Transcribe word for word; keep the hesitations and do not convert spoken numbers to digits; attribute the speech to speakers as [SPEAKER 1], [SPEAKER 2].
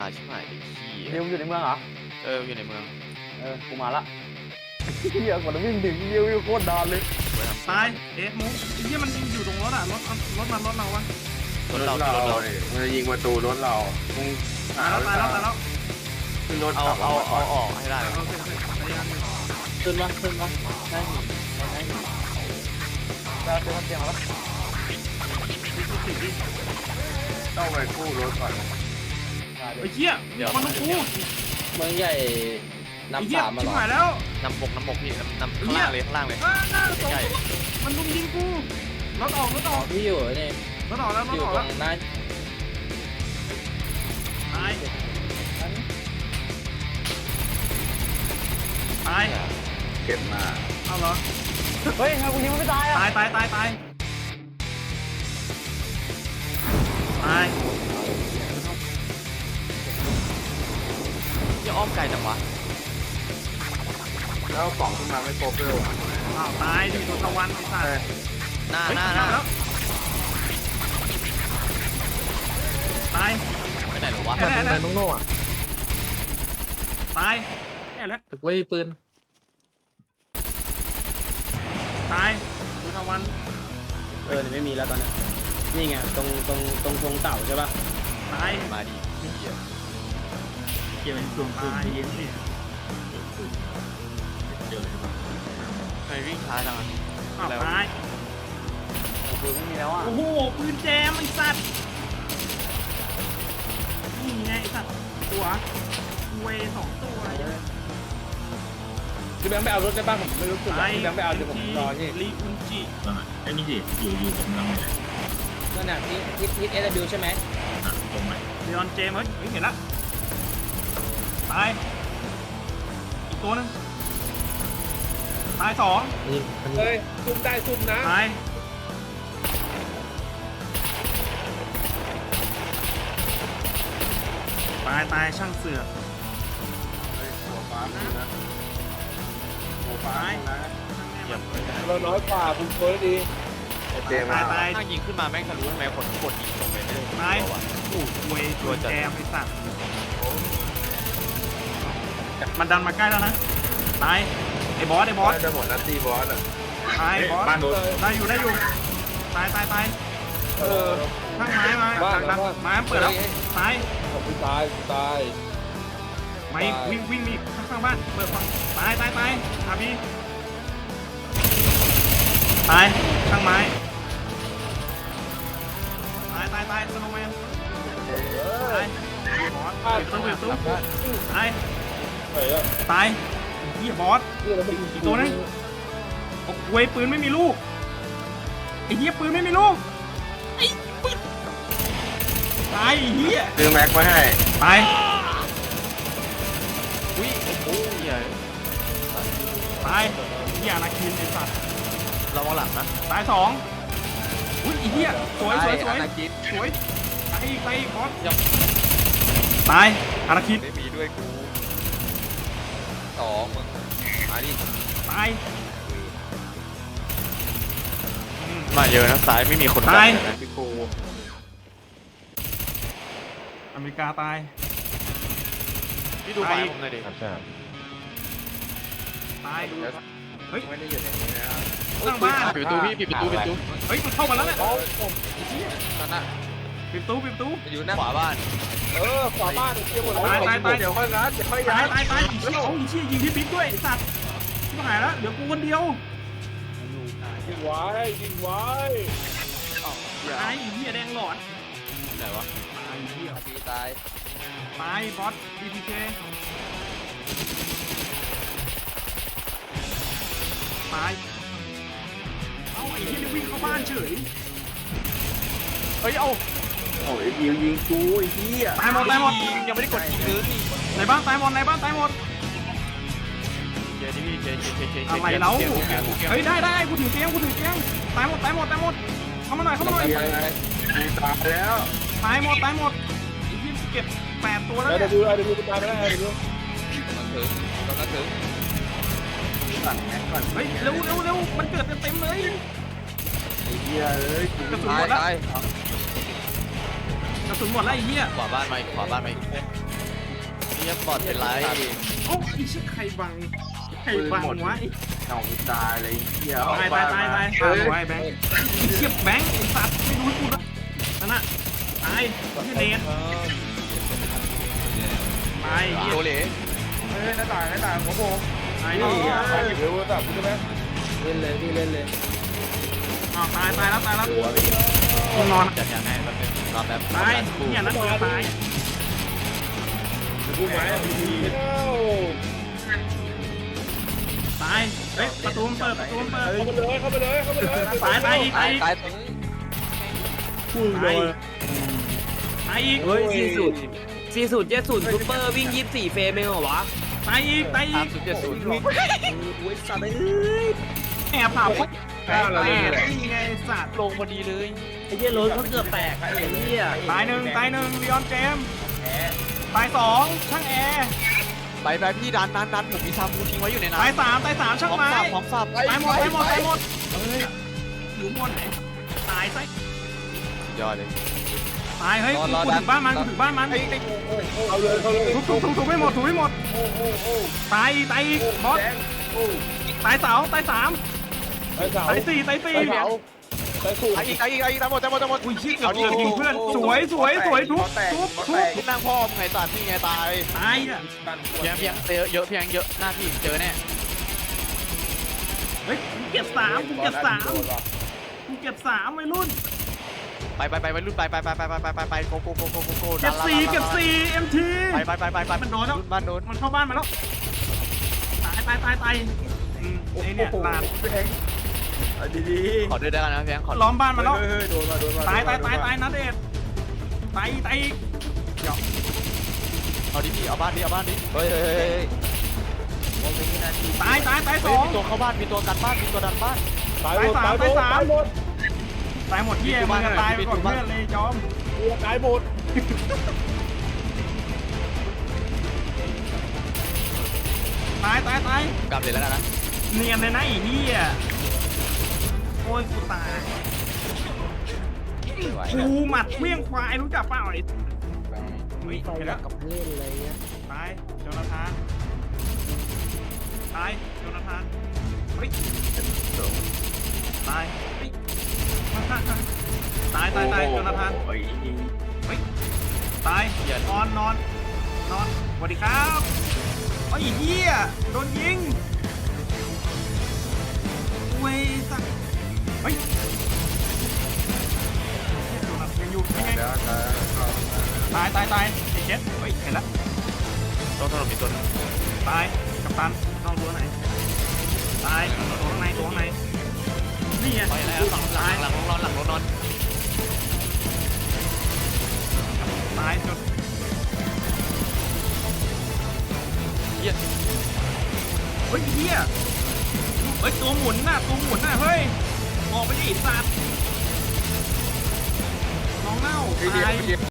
[SPEAKER 1] อาชิบหายดิขี้
[SPEAKER 2] นิวอยู่ในเมืองเหรอ
[SPEAKER 1] เอออยู่ในเมือง
[SPEAKER 2] เออ กูมาละเฮียกว่าจะวิ่งถึงเฮียวิ่งโคตรนานเลย
[SPEAKER 3] ตายเอ๊ะมุกไอ้เหี้ยมันอยู่ตรงรถอ่ะรถรถมันรถเราวะ
[SPEAKER 1] รถเรารถเรา
[SPEAKER 4] เนี่ยมันจะยิงประตูรถเรามึง
[SPEAKER 3] ตายแล้วตายแล้วตายแล้ว
[SPEAKER 4] ขึ้นรถ
[SPEAKER 1] เอา
[SPEAKER 4] ขับ
[SPEAKER 1] เอา
[SPEAKER 4] ก่
[SPEAKER 1] เอา
[SPEAKER 4] อน
[SPEAKER 1] ออกให้ได้
[SPEAKER 3] โอเคโอเคพยายามอยู่
[SPEAKER 2] ขึ้นมาขึ้นมาได้หินได้หินจะเตรียมเตรียมมาแล้ว
[SPEAKER 3] สิบดิ
[SPEAKER 4] ต้องไปกู้รถก่อน
[SPEAKER 3] ไอ้เหี้ยมีคนต้องกู
[SPEAKER 2] เมืองใหญ่
[SPEAKER 3] ไอ้
[SPEAKER 2] น้ำ
[SPEAKER 3] เหี้ย
[SPEAKER 2] สามมา
[SPEAKER 3] ชิ
[SPEAKER 2] หร
[SPEAKER 3] บ
[SPEAKER 2] อ
[SPEAKER 3] หายแล้ว
[SPEAKER 1] น้ำบกน้ำบกพี่น้ำน้ำข้างล่างเลยข้างล่างเลย
[SPEAKER 3] อ่าหน้าสอง
[SPEAKER 1] ใหญ่
[SPEAKER 3] มันลุมยิงกูรถออกรถออก
[SPEAKER 2] พี่อยู่นี่
[SPEAKER 3] รถออกแล้วร
[SPEAKER 2] อ
[SPEAKER 3] ถ
[SPEAKER 2] ยู่
[SPEAKER 3] ออก
[SPEAKER 2] ตร
[SPEAKER 3] แล้ว
[SPEAKER 2] งนั้น
[SPEAKER 3] ตายตาย
[SPEAKER 4] เก็บมา
[SPEAKER 3] เอาเหรอ
[SPEAKER 2] เฮ้ยทำไมกูยิงมันไม่ตายอ่ะ
[SPEAKER 3] ตายตายตายตายตาย
[SPEAKER 1] ยังอ้อมไกลจังวะ
[SPEAKER 4] แล้วกล่องขึ้นมาไม่ครบเลยว่ะ
[SPEAKER 3] อ้าวตายดิโดนตะวันไอ้สัตว์
[SPEAKER 1] หน้า
[SPEAKER 3] เฮ้ย
[SPEAKER 1] หน้าหน้า
[SPEAKER 3] แล้วตาย
[SPEAKER 1] ไปไหนหรอวะ
[SPEAKER 3] แน่แน่แน่
[SPEAKER 2] น้องโน่อะ
[SPEAKER 3] ตายแน่แล้ว
[SPEAKER 2] ตึกไว้ปืน
[SPEAKER 3] ตายโดนตะวัน
[SPEAKER 2] เออไม่มีแล้วตอนนี้นี่ไงตรงตรงตรงธงเต่าใช่ป่ะ
[SPEAKER 3] ตาย
[SPEAKER 1] มาดิเหี้ย
[SPEAKER 3] เกี่ยวกับดวงตายเย็นสิ
[SPEAKER 1] ทำไมวิ่งช้าจังอ่ะ
[SPEAKER 3] อ้าว
[SPEAKER 1] แล้ว
[SPEAKER 3] ตาย
[SPEAKER 2] ปืนไม่มีแล้วอ่ะ
[SPEAKER 3] โอ้โหปืนแจมไอ้สัตว์นี่ไงไอ้สัตว์ตัวเวสองตัว
[SPEAKER 2] พี่แบงค์ไปเอารถได้ป่ะผมไม่รู้สึก
[SPEAKER 3] ตาย
[SPEAKER 2] พี่แบงค์ไปเอาเดี๋ยวผมรอที่
[SPEAKER 3] ลีอุนจิ
[SPEAKER 5] ไอ้นี่สิอยู่อยู่กับน้องเลย
[SPEAKER 2] นั่นน่ะที่ที่ที่เอสบิวใช่ไหม
[SPEAKER 5] อ่ะตรงไหน
[SPEAKER 3] เดออนเจมส์เฮ้ยเฮ้ยเห็นละตายอีกตัวหนึงตายสอง
[SPEAKER 2] เฮ้ยซุ่มได้ซุ่มนะ
[SPEAKER 3] ตายตายตายช่างเสือก
[SPEAKER 4] เฮ้ยหัวฟ้ามีนะหัวฟ้ามีนะ
[SPEAKER 1] เหยียบไป
[SPEAKER 2] เราน้อยกว่าคุณโค้ดดี
[SPEAKER 4] ไอเจมา
[SPEAKER 3] ตายตาย
[SPEAKER 1] ถ้ายิงขึ้นมาแม่งทะลุทำไมคนกดยิงลงไปไม่ได้
[SPEAKER 3] ตาย
[SPEAKER 1] วะ
[SPEAKER 3] โอ้โหเวตัวแจมไอ้สัตว์มันดันมาใกล้แล้วนะตายไอ้บอสไอ้บอส
[SPEAKER 4] จะหมดนัดตีบอสอ่ะ
[SPEAKER 3] ตายบอส
[SPEAKER 5] บ้านโดน
[SPEAKER 3] ได้อยู่ได้อยู่ตายตายตาย
[SPEAKER 2] เออ
[SPEAKER 3] ข้างไม้มา
[SPEAKER 2] บ้าน
[SPEAKER 3] ดัง
[SPEAKER 2] บ้าน
[SPEAKER 3] ไม้มันเปิดแล้วตาย
[SPEAKER 2] ผมตายตาย
[SPEAKER 3] ไม้วิ่งวิ่งมีข้างข้างบ้านเปิดฝั่งตายตายตายอาพี่ตายข้างไม้ตายตายตายสโนว์แมนตายบอสเปิดตู้เปิดตู้ตาย
[SPEAKER 2] เฮ้ย
[SPEAKER 3] ตายเฮียบอส
[SPEAKER 2] นี่เราไม่
[SPEAKER 3] อีกตัวนึงโอ้เวยปืนไม่มีลูกไอ้เฮียปืนไม่มีลูกไอ้ปืนตายไอ้เฮีย
[SPEAKER 4] ซื้อแม็กมาให้
[SPEAKER 3] ตาย
[SPEAKER 1] อุ้ยโอ้โหเหี้ย
[SPEAKER 3] ตายเฮียอนาคินไอ้สัตว์
[SPEAKER 1] ระวังหลังนะ
[SPEAKER 3] ตายสองอุ้ยไอ้เฮียสวยสวยสวย
[SPEAKER 1] อาณาคิด
[SPEAKER 3] สวยตายอีกตายอีกบอส
[SPEAKER 1] ยัง
[SPEAKER 3] ตายอานาคิน
[SPEAKER 1] ไม่มีด้วยกูสองมึงมาดิ
[SPEAKER 3] ตายอืม
[SPEAKER 1] มาเยอะนะซ้ายไม่มีคน
[SPEAKER 3] ตาย
[SPEAKER 1] นะพี่กู
[SPEAKER 3] อเมริกาตาย
[SPEAKER 1] พี่ดูไม้ผมหน่อยดิ
[SPEAKER 3] ตายดูเฮ้ย
[SPEAKER 4] ไม่ได้อยู่ในนี้นะครับ
[SPEAKER 3] ข้างบ้าน
[SPEAKER 1] ปิดประตูพี่ปิดประตูปิดประตู
[SPEAKER 3] เฮ้ยมันเข้ามาแล้วเนี่ย
[SPEAKER 1] นั่นน่ะ
[SPEAKER 3] ปิดประตูปิดประตู
[SPEAKER 1] อยู่หน้าขวาบ้าน
[SPEAKER 2] เออขวาบ้านเกี่ยวหมด
[SPEAKER 3] ตายตายตาย
[SPEAKER 4] เดี๋ยวค่อยงัดเดี๋ยวค่อย
[SPEAKER 3] ตา
[SPEAKER 4] ย้าย
[SPEAKER 3] ยตายตายอีเชี่ยโอ้อีเชี่ยยิงพี่บิ๊กด้วยไอ้สัตว์ชิบหายแล้วเดี๋ยวกูคนเดียว
[SPEAKER 2] ยิงไว้ยิงไว้
[SPEAKER 3] ตายอีเหี้ยแดงหลอด
[SPEAKER 1] ไหนวะ
[SPEAKER 3] ตายอีเหี้ย
[SPEAKER 1] ตีตาย
[SPEAKER 3] ตายบอสบีพีเคตายเอ้าไอ้เหี้ยนี่วิ่งเข้าบ้านเฉย
[SPEAKER 1] เฮ้ยเอา
[SPEAKER 4] โอ้ยยิงยิงกูไอ้เหี้ย
[SPEAKER 3] ตายหมดตายหมด
[SPEAKER 1] ยังไม่ได้กดยิงเลย
[SPEAKER 3] ในบ้านตายหมดในบ้านตายหมด
[SPEAKER 1] เจนี่พี่เจเจเจเจ
[SPEAKER 3] อะไรเล่าเฮ้ยได้ได้กูถือเตียงกูถือเตียงตายหมดตายหมดตายหมดเข้ามาหน่อยเข้ามาหน่อย
[SPEAKER 4] ยังไงกูตายแล้ว
[SPEAKER 3] ตายหมดตายหมดไอ้เหี้ยเก็บแปดตัวแล้ว
[SPEAKER 2] เดี๋
[SPEAKER 3] เนี่ย
[SPEAKER 2] ยวดูเดี๋ยวดูตายไม่ได้เดี๋ยวดู
[SPEAKER 1] กำลังถึงกำลังถึง
[SPEAKER 4] สั่งแม็กก่อน
[SPEAKER 3] เฮ้ยเร็วเร็วเร็วมันเกิดเต็มๆเลย
[SPEAKER 4] ไอ้เหี้ยเอ้ยกู
[SPEAKER 3] กระสุน
[SPEAKER 1] ตา
[SPEAKER 3] หม
[SPEAKER 1] ย
[SPEAKER 3] ดแล้ว
[SPEAKER 1] ตาย
[SPEAKER 3] กระสุนหมดแล้วไอ้เหี้ย
[SPEAKER 1] ขวาบ้านไหมขวาบ้านไหมเนี่ยบอดเป็นไร
[SPEAKER 3] โอ้ไอ้เชี่ยใครบังใครบังวะ
[SPEAKER 4] เอากูตายเลยเหี้ย
[SPEAKER 3] ตายตายตายตายตายไอ้แบงค์เชี่ยแบงค์ไอ้สัตว์ไม่รู้กูนะนั่นน่ะตายที่เนนตาย
[SPEAKER 1] โดเหล่
[SPEAKER 4] เฮ้ยหน้าต่างหน้าต่างหัวโบ
[SPEAKER 3] ตาย
[SPEAKER 4] นี่
[SPEAKER 3] นี่
[SPEAKER 4] อ่ะมาอยู่เดี๋ยวตับกูใช่ไหม
[SPEAKER 2] เล่นเลยพี่เล่นเลย
[SPEAKER 3] อ้าวตายตายแล้วตายแล้ว
[SPEAKER 4] หัวเลย
[SPEAKER 3] นอน
[SPEAKER 1] จัดยังไงแป๊บนึงรอแป๊บ
[SPEAKER 3] ตายเนี่ยนัดเดียวตาย
[SPEAKER 4] กูไม้ดี
[SPEAKER 3] ตายเฮ้ยประตูมันเปิดประตูมันเปิด
[SPEAKER 4] เข้าไปเลยเข้าไปเลยเข้าไปเลย
[SPEAKER 3] ตายตายอีก
[SPEAKER 1] ตา
[SPEAKER 3] ตาย ยอีก
[SPEAKER 1] ตาย
[SPEAKER 3] ตายตายอีก
[SPEAKER 2] เฮ้ยสี่สูตรสี่สูตรเจ็ดสูตรซูเปอร์วิ่งยี่สิบสี่เฟรมเองเหรอวะ
[SPEAKER 3] ตายอีกตายอี
[SPEAKER 1] สาม
[SPEAKER 3] ก
[SPEAKER 1] ศูนย์เจ็ดศูนย์
[SPEAKER 2] โอ้ยสัตว์เอ้ย
[SPEAKER 3] แอบผ่าพกแอบแอบนี่ไงสัตว์
[SPEAKER 1] ลงพอดีเลย
[SPEAKER 2] ไอ้เหี้ยรถเขาเกือบแตกไอ้เหี้ย
[SPEAKER 3] ตายหนึ่งตายหนึ่งลีออนเจมส์ตายสองช่างแอร์
[SPEAKER 1] ไปไปพี่ดันดันดันผมมีซามูทิ้งไว้อยู่ในนั้น
[SPEAKER 3] ตายสามตายสามช่าง
[SPEAKER 1] พร้อม
[SPEAKER 3] ไม้
[SPEAKER 1] สับพร้อมสับ
[SPEAKER 3] ตายหมดตายหมดตายหมดเฮ้ยอยู่บนไหนตายซะ
[SPEAKER 1] ยอดเลย
[SPEAKER 3] ตายเฮ้ย
[SPEAKER 1] รอ
[SPEAKER 3] กู
[SPEAKER 1] รอ
[SPEAKER 3] กู
[SPEAKER 1] ดั
[SPEAKER 3] ถึ
[SPEAKER 1] น
[SPEAKER 3] งบ้านมันกูถึงบ้านมัน
[SPEAKER 1] ไอ้ไอ้
[SPEAKER 4] เอาเลยเอาเลย
[SPEAKER 3] ถูกถูกถูกถูกไม่หมดถูกไม่หมด
[SPEAKER 4] โอ้โอ้โอ้
[SPEAKER 3] ตายตายอีกบอส
[SPEAKER 4] แดงโอ้
[SPEAKER 3] ตายเสาตายสาม
[SPEAKER 4] ไอ้สาว
[SPEAKER 3] ตายสี่ตายสี่
[SPEAKER 4] ไอ้สาวไอ้สู
[SPEAKER 1] ไอ้อีกไอ้อีกไอ้อีกตายหมดตายหมดตายหมด
[SPEAKER 3] อุ้ยชี้เกือบเกือบยิงเพื่อนสวยสวยสวยทุบทุบทุบ
[SPEAKER 1] นั่งพ่อมึงไงสัตว์นี่ไงตาย
[SPEAKER 3] ตายอ่ะ
[SPEAKER 1] เพียงเพียงเยอะเยอะเพียงเยอะหน้าพี่เจอแน่
[SPEAKER 3] เฮ้ยกูเก็บสามกูเก็บสามกูเก็บสามวัยรุ่น
[SPEAKER 1] ไปไปไปไปรุ่นไปไปไปไปไปไปไปไปโกโกโกโกโกโก
[SPEAKER 3] เก็บสี่เก็บสี่เอ็มที
[SPEAKER 1] ไปไปไปไปไป
[SPEAKER 3] มันโดนแล้ว
[SPEAKER 1] บ้านโดน
[SPEAKER 3] มันเข้าบ้านมาแล้วตายตายตายตายอืมไอเนี่ยลาน
[SPEAKER 4] แดงดีดี
[SPEAKER 1] ขอเดินได้กันนะเพียงขอ
[SPEAKER 3] ล้อมบ้านมาแล้ว
[SPEAKER 4] เฮ้ยโดนมาโดนมา
[SPEAKER 3] ตายตายตายตายนะเดชตายตายอีก
[SPEAKER 1] เอาดิพี่เอาบ้านดิเอาบ้านดิเฮ้ยเฮ้ยเฮ้ย
[SPEAKER 3] ตายตายตายส
[SPEAKER 1] เฮ้ย
[SPEAKER 3] อง
[SPEAKER 1] มีตัวเข้าบ้านมีตัวกันบ้านมีตัวดันบ้าน
[SPEAKER 4] ตายหมดตายหมดตายหมด
[SPEAKER 3] ตายหมดเหี้ยมึงอะตายไปก่อนเพื่อนเลยจอม
[SPEAKER 4] ตายหมด
[SPEAKER 3] ตายตายตาย
[SPEAKER 1] กลับเลยแล้วกันนะ
[SPEAKER 3] เนียนเลยนะไอ้เหี้ยโอ้ยกูตาย
[SPEAKER 1] ไม่ไหว
[SPEAKER 3] กูหมัดเมี่ยงควายรู้จักเปล่าไอ้เฮ้ย
[SPEAKER 2] ไฟ
[SPEAKER 3] เห็น
[SPEAKER 2] ดั
[SPEAKER 3] แล้
[SPEAKER 2] บ
[SPEAKER 3] ว
[SPEAKER 2] กับเล่นอะไรเงี้ย
[SPEAKER 3] ตายโจนาธานตายโจนาธานเฮ้ยตายเฮ้ยตายตายตายโจนาธานเฮ้ยตายนอนนอนนอนสวัสดีครับไอ้เหี้ยโดนยิงเว้ยสักเฮ้ยโจนาธานยังอยู่ยังไงตายตายตายไอ้เจ็ดเฮ้ยเห็นแล้ว
[SPEAKER 1] ต้องถล่มมีตัวนึง
[SPEAKER 3] ตายกัปตันนอกตัวไหนตายตัวข้างในตัวข้างในนี่ไง
[SPEAKER 1] ไปแล้วหลังหลังหลังนอนหลังรถนอน
[SPEAKER 3] ตายจน
[SPEAKER 1] เยี่ย
[SPEAKER 3] เฮ้ยเฮียเฮ้ยตัวหมุนน่ะตัวหมุนน่ะเฮ้ยออกไปดิสัตว์น้องเน่า
[SPEAKER 4] เดี๋ยว
[SPEAKER 3] ตาย
[SPEAKER 4] เดี๋ยว